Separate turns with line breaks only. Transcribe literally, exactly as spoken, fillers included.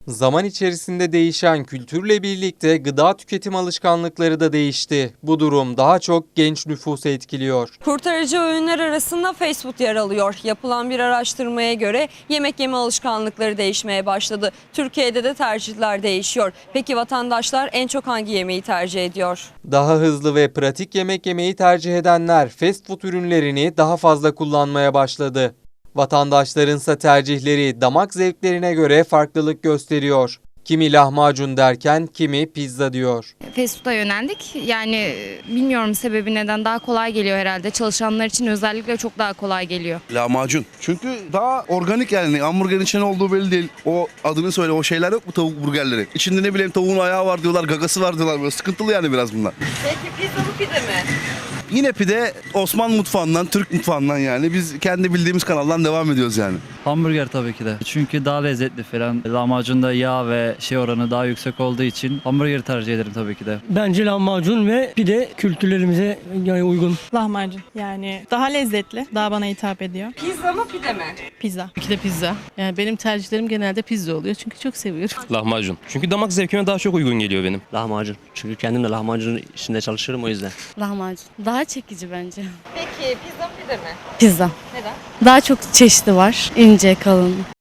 Zaman içerisinde değişen kültürle birlikte gıda tüketim alışkanlıkları da değişti. Bu durum daha çok genç nüfusu etkiliyor.
Kurtarıcı öğünler arasında fast food yer alıyor. Yapılan bir araştırmaya göre yemek yeme alışkanlıkları değişmeye başladı. Türkiye'de de tercihler değişiyor. Peki vatandaşlar en çok hangi yemeği tercih ediyor?
Daha hızlı ve pratik yemek yemeyi tercih edenler fast food ürünlerini daha fazla kullanmaya başladı. Vatandaşlarınsa tercihleri damak zevklerine göre farklılık gösteriyor. Kimi lahmacun derken kimi pizza diyor.
Fast food'a yöneldik. Yani bilmiyorum sebebi neden, daha kolay geliyor herhalde. Çalışanlar için özellikle çok daha kolay geliyor.
Lahmacun. Çünkü daha organik yani. Hamburgerin içinde olduğu belli değil. O adını söyle, o şeyler yok mu tavuk burgerleri? İçinde ne bileyim tavuğun ayağı var diyorlar, gagası var diyorlar. Böyle sıkıntılı yani biraz bunlar.
Peki pizza mı pide mi?
Yine pide Osman mutfağından, Türk mutfağından yani. Biz kendi bildiğimiz kanaldan devam ediyoruz yani.
Hamburger tabii ki de. Çünkü daha lezzetli falan. Lahmacunda yağ ve şey oranı daha yüksek olduğu için hamburgeri tercih ederim tabii ki de.
Bence lahmacun ve pide kültürlerimize yani uygun.
Lahmacun yani daha lezzetli, daha bana hitap ediyor.
Pizza mı pide mi?
Pizza.
İki de pizza. Yani benim tercihlerim genelde pizza oluyor çünkü çok seviyorum.
Lahmacun. Çünkü damak zevkime daha çok uygun geliyor benim.
Lahmacun. Çünkü kendim de lahmacunun içinde çalışıyorum o yüzden.
Lahmacun. Daha çekici bence.
Peki pizza mı pide mi?
Pizza.
Neden?
Daha çok çeşidi var. İnce, kalın.